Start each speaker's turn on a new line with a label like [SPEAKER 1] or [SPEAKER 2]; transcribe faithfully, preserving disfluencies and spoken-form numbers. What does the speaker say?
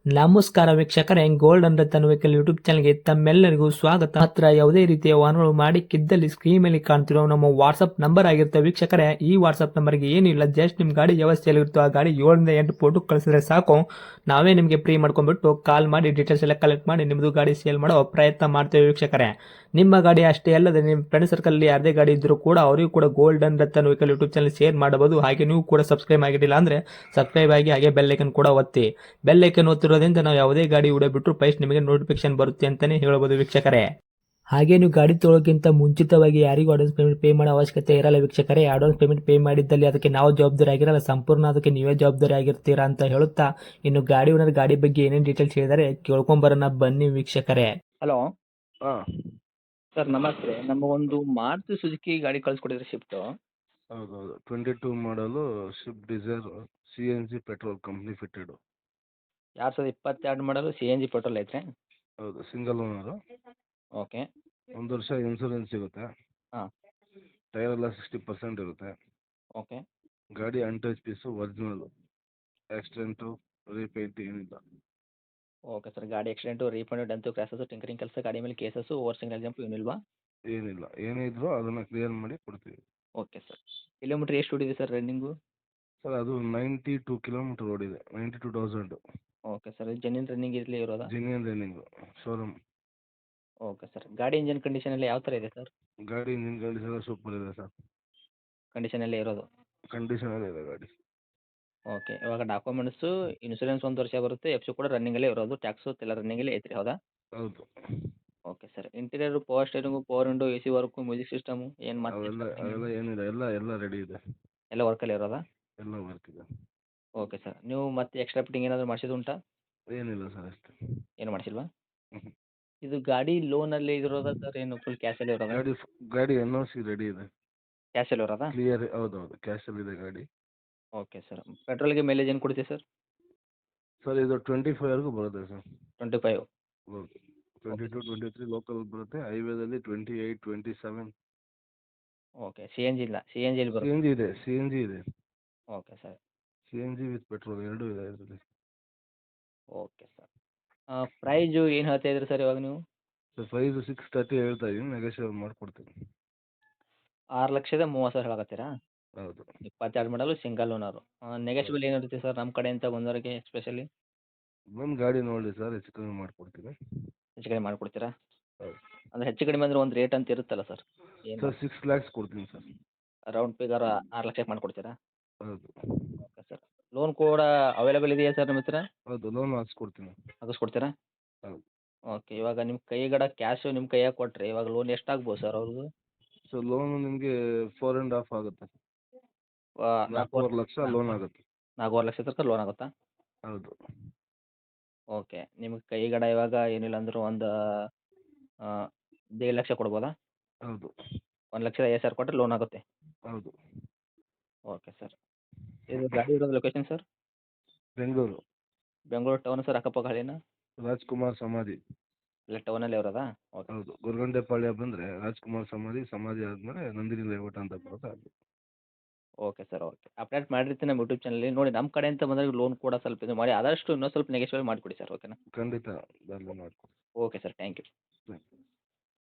[SPEAKER 1] ನಮಸ್ಕಾರ ವೀಕ್ಷಕರೇ, gold and Ratan vehicle YouTube ಚಾನಲ್ಗೆ ತಮ್ಮೆಲ್ಲರಿಗೂ ಸ್ವಾಗತ. ಮಾತ್ರ ಯಾವುದೇ ರೀತಿಯ ವಾಹನಗಳು ಮಾಡಿಕ್ಕಿದ್ದಲ್ಲಿ ಸ್ಕ್ರೀನ್ ಮೇಲೆ ಕಾಣ್ತಿರೋ ನಮ್ಮ ವಾಟ್ಸ್ಆಪ್ ನಂಬರ್ ಆಗಿರುತ್ತೆ ವೀಕ್ಷಕರೇ. ಈ ವಾಟ್ಸ್ಆಪ್ ನಂಬರ್ಗೆ ಏನಿಲ್ಲ, ಜಸ್ಟ್ ನಿಮ್ಮ ಗಾಡಿ ವ್ಯವಸ್ಥೆಯಲ್ಲಿರುತ್ತೋ ಆ ಗಾಡಿ ಏಳರಿಂದ ಎಂಟು ಫೋಟೋ ಕಳಿಸಿದ್ರೆ ಸಾಕು, ನಾವೇ ನಿಮಗೆ ಫ್ರೀ ಮಾಡ್ಕೊಂಡ್ಬಿಟ್ಟು ಕಾಲ್ ಮಾಡಿ ಡೀಟೇಲ್ಸ್ ಎಲ್ಲ ಕಲೆಕ್ಟ್ ಮಾಡಿ ನಿಮ್ಮದು ಗಾಡಿ ಸೇಲ್ ಮಾಡೋ ಪ್ರಯತ್ನ ಮಾಡ್ತೇವೆ ವೀಕ್ಷಕರೇ. ನಿಮ್ಮ ಗಾಡಿ ಅಷ್ಟೇ ಅಲ್ಲದೆ ನಿಮ್ಮ ಫ್ರೆಂಡ್ ಸರ್ಕಲ್ ಯಾರದೇ ಗಾಡಿ ಇದ್ರೂ ಕೂಡ ಅವರಿಗೂ ಕೂಡ gold and Ratan vehicle YouTube channel share ಮಾಡಬಹುದು. ಹಾಗೆ ನೀವು ಕೂಡ ಸಬ್ಸ್ಕ್ರೈಬ್ ಆಗಿರಲಿಲ್ಲ ಅಂದ್ರೆ ಸಬ್ಸ್ಕ್ರೈಬ್ ಆಗಿ ಹಾಗೆ ಬೆಲ್ ಐಕನ್ ಕೂಡ ಒತ್ತಿ. ಬೆಲ್ ಐಕನ್ ಒತ್ತಿರೋದ್ರಿಂದ ನಾವು ಯಾವುದೇ ಗಾಡಿ ವಿಡಿಯೋ ಬಿಟ್ಟರು ಫಸ್ಟ್ ನಿಮಗೆ ನೋಟಿಫಿಕೇಶನ್ ಬರುತ್ತೆ ಅಂತಾನೆ ಹೇಳ್ಬೋದು ವೀಕ್ಷಕರೇ. ಹಾಗೆ ನೀವು ಗಾಡಿ ತೊಳೋಕ್ಕಿಂತ ಮುಂಚಿತವಾಗಿ ಯಾರಿಗೂ ಅಡ್ವಾನ್ಸ್ ಪೇಮೆಂಟ್ ಪೇ ಮಾಡೋ ಅವಶ್ಯಕತೆ ಇರಲ್ಲ ವೀಕ್ಷಕರೇ. ಅಡ್ವಾನ್ಸ್ ಪೇಮೆಂಟ್ ಪೇ ಮಾಡಿದ್ದಲ್ಲಿ ಅದಕ್ಕೆ ನಾವು ಜವಾಬ್ದಾರಿ ಆಗಿರಲ್ಲ, ಸಂಪೂರ್ಣ ಅದಕ್ಕೆ ನೀವೇ ಜವಾಬ್ದಾರಿ ಆಗಿರ್ತೀರಾ ಅಂತ ಹೇಳುತ್ತಾ, ಇನ್ನು ಗಾಡಿ ಓನರ್ ಗಾಡಿ ಬಗ್ಗೆ ಏನೇನು ಡೀಟೇಲ್ಸ್ ಹೇಳಿದರೆ ಕೇಳ್ಕೊಂಬರೋಣ ಬನ್ನಿ ವೀಕ್ಷಕರೇ.
[SPEAKER 2] ಹಲೋ
[SPEAKER 3] ಹಾಂ
[SPEAKER 2] ಸರ್, ನಮಸ್ತೆ. ನಮ್ಮ ಒಂದು ಮಾರುತಿ ಸುಜುಕಿ ಗಾಡಿ ಕಳಿಸ್ಕೊಟ್ಟಿದ್ರೆ ಶಿಫ್ಟು.
[SPEAKER 3] ಹೌದೌದು twenty two model Swift Dzire C N G petrol company fitted.
[SPEAKER 2] ಎರಡು ಸಾವಿರದ ಇಪ್ಪತ್ತೆರಡು ಮಾಡಲು ಸಿ ಎನ್ ಜಿ ಪೆಟ್ರೋಲ್ ಐತ್ರಿ.
[SPEAKER 3] ಹೌದು, ಸಿಂಗಲ್ ಓನರು.
[SPEAKER 2] ಓಕೆ.
[SPEAKER 3] ಒಂದು ವರ್ಷ ಇನ್ಸೂರೆನ್ಸ್ ಸಿಗುತ್ತೆ.
[SPEAKER 2] ಹಾಂ.
[SPEAKER 3] ಟೈರ್ ಎಲ್ಲ ಸಿಕ್ಸ್ಟಿ ಪರ್ಸೆಂಟ್ ಇರುತ್ತೆ.
[SPEAKER 2] ಓಕೆ.
[SPEAKER 3] ಗಾಡಿ untouch piece original, accident repaint ಏನಿಲ್ಲ.
[SPEAKER 2] ಓಕೆ ಸರ್, ಗಾಡಿ accident refund dent crashes tinkering ಕೆಲಸ, ಗಾಡಿ ಮೇಲೆ ಕೇಸಸ್ಸು ಓವರ್ ಸಿಂಗಲ್ ಜಂಪ್ ಏನಿಲ್ವಾ?
[SPEAKER 3] ಏನಿಲ್ಲ, ಏನೇ ಇದ್ರೂ ಅದನ್ನು ಕ್ಲಿಯರ್ ಮಾಡಿ ಕೊಡ್ತೀವಿ.
[SPEAKER 2] Okay sir. ಕಿಲೋಮೀಟ್ರ್ ಎಷ್ಟು ಹೊಡಿದೆ ಸರ್ ರನ್ನಿಂಗು?
[SPEAKER 3] ಸರ್ ಅದು ನೈಂಟಿ ಟೂ ಕಿಲೋಮೀಟರ್ ಓಡಿದೆ, ninety two thousand.
[SPEAKER 2] Okay sir, genuine running ಇರಲಿ ಇರೋದಾ?
[SPEAKER 3] Genuine running, showroom.
[SPEAKER 2] Okay sir, ಗಾಡಿ ಇಂಜನ್ ಕಂಡೀಷನ್ ಎಲ್ಲ ಯಾವ ಥರ ಇದೆ ಸರ್?
[SPEAKER 3] ಗಾಡಿ ಇಂಜಿನ್ ಕಂಡೀಷನ್ ಎಲ್ಲ ಸೂಪರ್ ಇದೆ ಸರ್.
[SPEAKER 2] ಕಂಡೀಷನಲ್ಲೇ ಇರೋದು?
[SPEAKER 3] ಕಂಡೀಷನಲ್ಲೇ ಇದೆ ಗಾಡಿ.
[SPEAKER 2] ಓಕೆ. ಇವಾಗ ಡಾಕ್ಯುಮೆಂಟ್ಸು ಇನ್ಸೂರೆನ್ಸ್ ಒಂದು ವರ್ಷ ಬರುತ್ತೆ, ಎಫ್ ಸಿ ಕೂಡ ರನ್ನಿಂಗಲ್ಲೇ ಇರೋದು, ಟ್ಯಾಕ್ಸು ಎಲ್ಲ ರನ್ನಿಂಗಲ್ಲೇ ಐತ್ರಿ, ಹೌದಾ?
[SPEAKER 3] ಹೌದು.
[SPEAKER 2] Okay sir. Interior power steering, power window, A C work, music system ಏನು ಮತ್ತೆ
[SPEAKER 3] ಅವೆಲ್ಲ ಅವೆಲ್ಲ ಏನಿಲ್ಲ, ಎಲ್ಲ ಎಲ್ಲ ರೆಡಿ ಇದೆ,
[SPEAKER 2] ಎಲ್ಲ ವರ್ಕಲ್ಲಿ ಇರೋದಾ?
[SPEAKER 3] ಎಲ್ಲ ವರ್ಕ್ ಇದೆ.
[SPEAKER 2] Okay sir. ನೀವು ಮತ್ತೆ ಎಕ್ಸ್ಟ್ರಾ ಫಿಟ್ಟಿಂಗ್ ಏನಾದರೂ ಮಾಡಿಸಿದ್ದು ಉಂಟಾ?
[SPEAKER 3] ಏನಿಲ್ಲ ಸರ್, ಅಷ್ಟೇ.
[SPEAKER 2] ಏನು ಮಾಡಿಸಿಲ್ವಾ?
[SPEAKER 3] ಹ್ಞೂ.
[SPEAKER 2] ಇದು ಗಾಡಿ ಲೋನಲ್ಲಿ ಇರೋದಾ ಸರ್, ಏನು ಫುಲ್ ಕ್ಯಾಶಲ್ಲಿ ಇರೋದಾ?
[SPEAKER 3] ಗಾಡಿ ಫ್- ಗಾಡಿ ಎನ್ ಓ ಸಿ ರೆಡಿ ಇದೆ,
[SPEAKER 2] ಕ್ಯಾಶಲ್ಲಿ ಇರೋದಾ?
[SPEAKER 3] ಕ್ಲಿಯರ್. ಹೌದೌದು, ಕ್ಯಾಶಲ್ಲಿದೆ ಗಾಡಿ.
[SPEAKER 2] Okay sir. ಪೆಟ್ರೋಲ್ಗೆ ಮೈಲೇಜ್ ಏನು ಕೊಡುತ್ತೆ ಸರ್?
[SPEAKER 3] ಸರ್ ಇದು ಟ್ವೆಂಟಿ ಫೈವ್ವರೆಗೂ ಬರುತ್ತೆ ಸರ್.
[SPEAKER 2] Twenty five.
[SPEAKER 3] ಹೌದು, twenty
[SPEAKER 2] okay
[SPEAKER 3] two
[SPEAKER 2] sir.
[SPEAKER 3] Twenty three local ಬರುತ್ತೆ, ಹೈವೇದಲ್ಲಿ twenty eight twenty seven.
[SPEAKER 2] Okay. C N G ಇಲ್ಲ, ಸಿ ಎನ್ ಜಿಲಿ
[SPEAKER 3] ಸಿ
[SPEAKER 2] ಬರುತ್ತೆ.
[SPEAKER 3] ಎನ್ ಜಿ ಇದೆ, ಸಿ ಎನ್ ಜಿ ಇದೆ,
[SPEAKER 2] okay sir.
[SPEAKER 3] C N G with petrol ಎರಡೂ ಇದೆ ಇದರಲ್ಲಿ.
[SPEAKER 2] Okay sir. ಪ್ರೈಜು ಏನು ಹೇಳ್ತಾ ಇದ್ರಿ ಸರ್ ಇವಾಗ ನೀವು?
[SPEAKER 3] ಸರ್ ಪ್ರೈಸು ಸಿಕ್ಸ್ ತರ್ಟಿ ಹೇಳ್ತಾ ಇದ್ದೀನಿ, ನೆಗೋಷಿಯೇಟ್ ಮಾಡಿಕೊಡ್ತೀನಿ.
[SPEAKER 2] ಆರು ಲಕ್ಷದ ಮೂವತ್ತು ಸಾವಿರ ಹೇಳಕತ್ತೀರಾ?
[SPEAKER 3] ಹೌದು.
[SPEAKER 2] ಇಪ್ಪತ್ತೆರಡು ಮಾಡಲು ಸಿಂಗಲ್ ಓನರು. ನೆಗೆಶ್ಬಲ್ ಏನಿರುತ್ತೆ ಸರ್ ನಮ್ಮ ಕಡೆಯಿಂದ ಬಂದವರಿಗೆ ಸ್ಪೆಷಲಿ?
[SPEAKER 3] ಬಂದು ಗಾಡಿ ನೋಡಿ ಸರ್, ಹೆಚ್ಚು ಕಮ್ಮಿ ಮಾಡಿಕೊಡ್ತೀನಿ.
[SPEAKER 2] ಹೆಚ್ಚು ಕಡಿಮೆ ಮಾಡಿಕೊಡ್ತೀರಾ?
[SPEAKER 3] ಹೌದು.
[SPEAKER 2] ಅಂದರೆ ಹೆಚ್ಚು ಕಡಿಮೆ ಅಂದರೆ ಒಂದು ರೇಟ್ ಅಂತ ಇರುತ್ತಲ್ಲ ಸರ್, ಏನು
[SPEAKER 3] ಸರ್ ಸಿಕ್ಸ್ ಲ್ಯಾಕ್ಸ್ ಕೊಡ್ತೀನಿ ಸರ್.
[SPEAKER 2] ರೌಂಡ್ ಫಿಗರ್ ಆರು ಲಕ್ಷಕ್ಕೆ ಮಾಡಿಕೊಡ್ತೀರಾ?
[SPEAKER 3] ಹೌದು.
[SPEAKER 2] Okay sir. ಲೋನ್ ಕೂಡ ಅವೈಲೇಬಲ್ ಇದೆಯಾ ಸರ್ ನಿಮ್ಮ ಹತ್ರ?
[SPEAKER 3] ಹೌದು, ಲೋನ್ ಹಾಕ್ಸ್ಕೊಡ್ತೀನಿ.
[SPEAKER 2] ಹಾಕಿಸ್ಕೊಡ್ತೀರಾ?
[SPEAKER 3] ಹೌದು.
[SPEAKER 2] ಓಕೆ. ಇವಾಗ ನಿಮ್ಮ ಕೈಗಡ ಕ್ಯಾಶು ನಿಮ್ಮ ಕೈಯಾಗ ಕೊಟ್ಟರೆ ಇವಾಗ ಲೋನ್ ಎಷ್ಟಾಗ್ಬೋದು ಸರ್ ಅವ್ರದ್ದು?
[SPEAKER 3] ಸೊ ಲೋನು ನಿಮಗೆ ಫೋರ್ ಆ್ಯಂಡ್ ಹಾಫ್ ಆಗುತ್ತೆ,
[SPEAKER 2] ನಾಲ್ಕೂವರೆ
[SPEAKER 3] ನಾಲ್ಕೂವರೆ ಲಕ್ಷ ಲೋನ್ ಆಗುತ್ತೆ.
[SPEAKER 2] ನಾಲ್ಕೂವರೆ ಲಕ್ಷ ತನಕ ಲೋನ್ ಆಗುತ್ತಾ?
[SPEAKER 3] ಹೌದು.
[SPEAKER 2] ಓಕೆ. ನಿಮಗೆ ಕೈಗಡ ಇವಾಗ ಏನಿಲ್ಲ ಅಂದರೂ ಒಂದು ದೇಡ್ ಲಕ್ಷ ಕೊಡ್ಬೋದಾ?
[SPEAKER 3] ಹೌದು.
[SPEAKER 2] ಒಂದು ಲಕ್ಷದ ಐವತ್ತು ಸಾವಿರ ಕೊಟ್ಟರೆ ಲೋನ್ ಆಗುತ್ತೆ.
[SPEAKER 3] ಹೌದು.
[SPEAKER 2] Okay sir. ಇದು ಗಾಡಿ ಇರೋದು location sir?
[SPEAKER 3] Bengaluru,
[SPEAKER 2] Bengaluru town sir, ಅಕ್ಕಪಕ್ಕ ಹಳ್ಳಿನಾ?
[SPEAKER 3] ರಾಜ್ಕುಮಾರ್ ಸಮಾಧಿ.
[SPEAKER 2] ಇಲ್ಲ ಟೌನಲ್ಲೇ ಇರೋದಾ? ಓಕೆ.
[SPEAKER 3] ಹೌದು, ಗೊರಗುಂಟೆಪಾಳ್ಯ ಬಂದರೆ ರಾಜ್ಕುಮಾರ್ ಸಮಾಧಿ, ಸಮಾಧಿ ಆದಮೇಲೆ ನಂದಿನಿ ಲೇಔಟ್ ಅಂತ ಬರುತ್ತೆ ಅದು.
[SPEAKER 2] Okay sir. ಓಕೆ. ಅಪ್ಡೇಟ್ ಮಾಡಿರ್ತೀನಿ ನಮ್ಮ ಯೂಟ್ಯೂಬ್ ಚಾನಲಲ್ಲಿ. ನೋಡಿ ನಮ್ಮ ಕಡೆಯಿಂದ ಬಂದಾಗ ಲೋನ್ ಕೂಡ ಸ್ವಲ್ಪ ಇದು ಮಾಡಿ ಆದಷ್ಟು ಇನ್ನೂ ಸ್ವಲ್ಪ ನೆಗೆಶ್ವಲ್ ಮಾಡಿಕೊಡಿ ಸರ್, ಓಕೆನಾ?
[SPEAKER 3] ಖಂಡಿತ ಬರಲಿ ಮಾಡಿಕೊಡ್ತೀನಿ.
[SPEAKER 2] Okay sir, thank you.
[SPEAKER 3] Thank you.